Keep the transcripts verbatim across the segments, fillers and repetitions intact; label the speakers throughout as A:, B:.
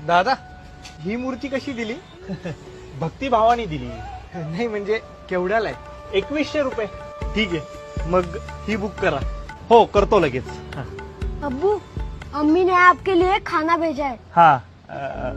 A: दादा ही मूर्ती कशी दिली?
B: भक्तिभावाने दिली.
A: नाही म्हणजे केवढ्याला आहे?
B: एकवीसशे रुपये.
A: ठीक आहे, मग ही बुक करा.
B: हो करतो लगेच. हा.
C: अब्बू, अम्मी ने आपके लिए खाना भेजा है.
B: हा अ,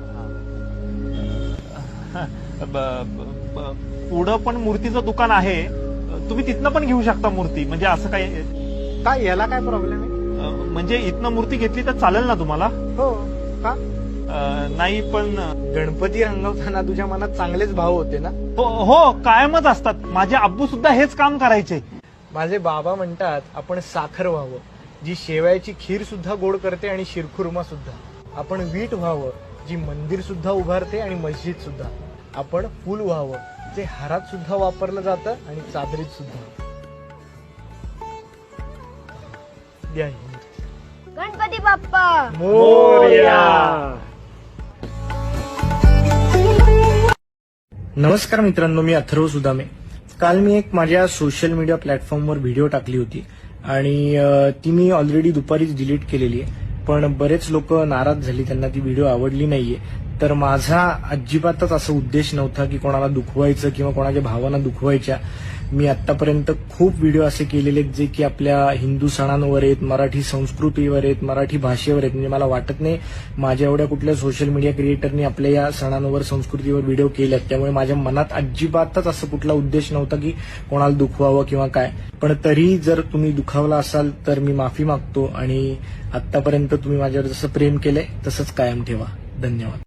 B: ब- ब- ब- पुढं पण मूर्तीचं दुकान आहे, तुम्ही तिथनं पण घेऊ शकता मूर्ती. म्हणजे असं काही
A: काय याला काय प्रॉब्लेम आहे?
B: अ, म्हणजे इथनं मूर्ती घेतली तर चालेल ना तुम्हाला?
A: हो का?
B: अ, नाही पण
A: गणपती रंगवताना तुझ्या मनात चांगलेच भाव होते ना?
B: हो हो कायमच असतात. माझे आब्बू सुद्धा हेच काम करायचे.
A: माझे बाबा म्हणतात आपण साखर व्हावं, जी शेवयाची खीर सुद्धा गोड करते आणि शिरखुर्मा सुद्धा. आपण वीट व्हावं, जी मंदिर सुद्धा उभारते आणि मस्जिद सुद्धा. आपण फुल व्हावं, जे हारात सुद्धा वापरलं जातं आणि चादरीत सुद्धा. द्या ही मूर्ती.
C: गणपती बाप्पा
A: मोरया. नमस्कार मित्रांनो, मी अथर्व सुदामे. काल मी एक माझ्या सोशल मीडिया प्लॅटफॉर्मवर व्हिडिओ टाकली होती आणि अ, ती मी ऑलरेडी दुपारीच डिलीट केलेली आहे. पण बरेच लोक नाराज झाली, त्यांना ती व्हिडिओ आवडली नाहीये. तर माझा अजिबातच असा उद्देश नव्हता की कोणाला दुखवायचं किंवा कोणाच्या भावना दुखवायच्या. मी आतापर्यंत खूप व्हिडिओ असे केलेले आहेत जे की आपल्या हिंदू सणांवर आहेत, मराठी संस्कृतीवर आहेत, मराठी भाषेवर आहेत. म्हणजे मला वाटत नाही माझ्या एवढ्या कुठल्या सोशल मीडिया क्रिएटरनी आपल्या या सणांवर, संस्कृतीवर व्हिडिओ केल्यात. त्यामुळे माझ्या मनात अजिबातच असं कुठला उद्देश नव्हता की कोणाला दुखवावं किंवा काय. पण तरी जर तुम्ही दुखावला असाल तर मी माफी मागतो आणि आतापर्यंत तुम्ही माझ्यावर जसं प्रेम केलंय तसंच कायम ठेवा. धन्यवाद.